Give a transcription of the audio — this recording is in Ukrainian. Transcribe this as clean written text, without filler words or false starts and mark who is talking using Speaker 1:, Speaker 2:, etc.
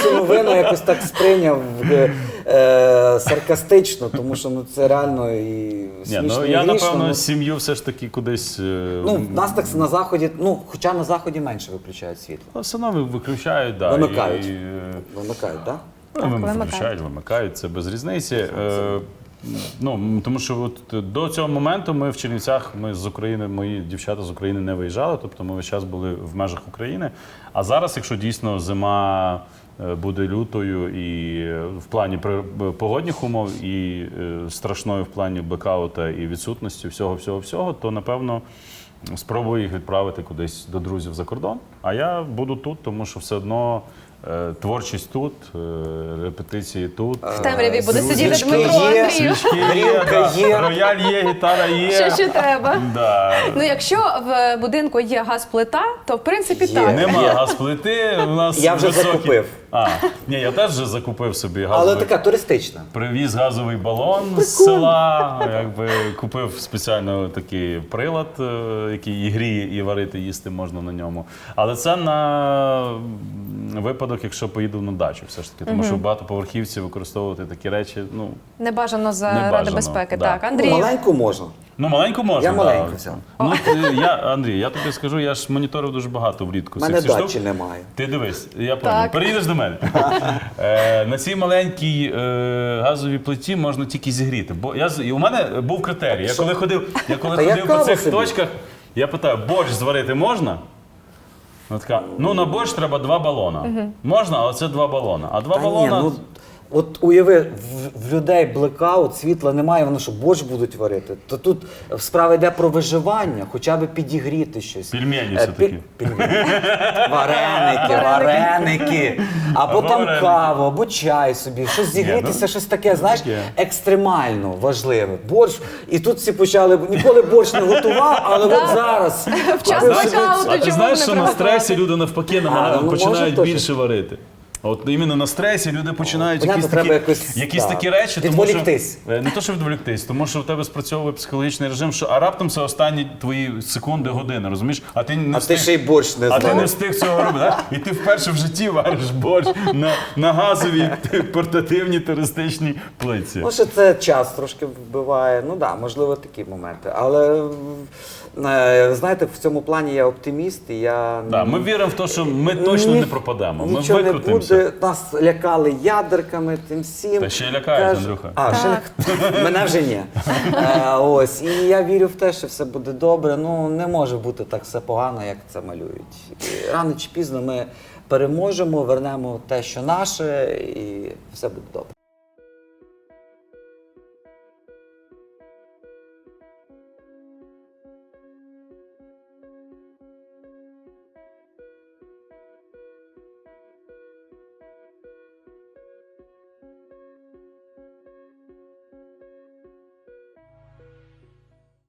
Speaker 1: цю новину якось так сприйняв саркастично, тому що ну, це реально і смішно, і
Speaker 2: я,
Speaker 1: грішно.
Speaker 2: напевно, сім'ю все ж таки кудись...
Speaker 1: Ну, в нас так на Заході, ну, хоча на Заході менше виключають світло.
Speaker 2: Все одно виключають, да.
Speaker 1: Вимикають.
Speaker 2: І,
Speaker 1: Вимикають, так?
Speaker 2: виключають, вимикають, це без різниці. Ну, тому що от до цього моменту ми в Чернівцях, ми з України, мої дівчата з України не виїжджали, тобто ми весь час були в межах України. А зараз, якщо дійсно зима буде лютою і в плані погодних умов, і страшною в плані блекаута і відсутності всього, то, напевно, спробую їх відправити кудись до друзів за кордон. А я буду тут, тому що все одно творчість тут, репетиції тут.
Speaker 3: В темряві буде сидіти
Speaker 1: Свічки
Speaker 3: Дмитро
Speaker 1: є,
Speaker 3: Андрію.
Speaker 2: Свічки є,
Speaker 1: Горілка є.
Speaker 2: рояль є, гітара є.
Speaker 3: Що ще треба?
Speaker 2: Да.
Speaker 3: Ну, якщо в будинку є газплита, то в принципі
Speaker 1: Є.
Speaker 3: так.
Speaker 2: Нема газплити, у нас
Speaker 1: Я вже
Speaker 2: високі...
Speaker 1: закупив.
Speaker 2: Ні, я теж вже закупив собі
Speaker 1: Але
Speaker 2: газовий.
Speaker 1: така туристична.
Speaker 2: Привіз газовий балон з села, якби купив спеціально такий прилад, який і гріє, і варити, їсти можна на ньому. Але це на випадок, якщо поїду на дачу все ж таки, тому що в багатоповерхівці використовувати такі речі, ну...
Speaker 3: Не
Speaker 2: Небажано,
Speaker 3: заради безпеки.
Speaker 2: да.
Speaker 3: Так, Андрій.
Speaker 1: Маленьку можна.
Speaker 2: Ну, маленьку можна,
Speaker 1: Я маленьку взяв.
Speaker 2: Ну, Андрій, я тобі скажу, я ж моніторив дуже багато влітку.
Speaker 1: У мене
Speaker 2: всіх
Speaker 1: дачі
Speaker 2: штук.
Speaker 1: немає.
Speaker 2: Ти дивись, я
Speaker 3: Так.
Speaker 2: пам'ятаю. Переїдеш до мене. На цій маленькій газовій плиті можна тільки зігріти. Бо у мене був критерій. Я коли ходив по
Speaker 1: яка
Speaker 2: цих
Speaker 1: собі?
Speaker 2: точках, я питаю, борщ зварити можна? Вона така, ну на борщ треба 2 балона. Можна, але це 2 балона. А 2
Speaker 1: Та ні,
Speaker 2: балона...
Speaker 1: ну, от уяви, в людей блекаут, світла немає, вони що, борщ будуть варити? То тут справа йде про виживання, хоча б підігріти щось.
Speaker 2: Пельмені все-таки.
Speaker 1: Вареники. Або там
Speaker 2: вареники.
Speaker 1: каву, або чай собі, щось зігрітися, щось таке, знаєш,
Speaker 2: таке.
Speaker 1: екстремально важливе. Борщ, і тут всі почали, ніколи борщ не готував, але от зараз.
Speaker 3: В час
Speaker 1: купив собі-
Speaker 3: блекауту
Speaker 2: А ти
Speaker 3: чому
Speaker 2: знаєш,
Speaker 3: не
Speaker 2: що на
Speaker 3: приготувати?
Speaker 2: стресі люди навпаки
Speaker 1: ну,
Speaker 2: починають
Speaker 1: може,
Speaker 2: більше варити. От іменно на стресі люди починають
Speaker 1: Понятно,
Speaker 2: якісь,
Speaker 1: треба
Speaker 2: такі,
Speaker 1: якось,
Speaker 2: якісь
Speaker 1: да,
Speaker 2: такі речі, тому що
Speaker 1: відволіктись.
Speaker 2: не то, що відволіктись, тому що в тебе спрацьовує психологічний режим, що а раптом це останні твої секунди, години, розумієш? А ти не
Speaker 1: А ти ще й борщ не
Speaker 2: а ти не
Speaker 1: знав.
Speaker 2: встиг цього робити, так? І ти вперше в житті вариш борщ на газовій портативній туристичній плитці.
Speaker 1: Ну, що це час трошки вбиває. Ну так, можливо, такі моменти. Але знаєте, в цьому плані я оптиміст, і я
Speaker 2: Да, ми віримо в те, що ми точно не пропадемо. Ми
Speaker 1: нічого не
Speaker 2: викрутимося.
Speaker 1: буде. Нас лякали ядерками, тим всім.
Speaker 2: Та ще й лякають, Андрюха.
Speaker 1: Мене вже ні. Ось. І я вірю в те, що все буде добре. Ну, не може бути так все погано, як це малюють. І рано чи пізно ми переможемо, вернемо те, що наше, і все буде добре.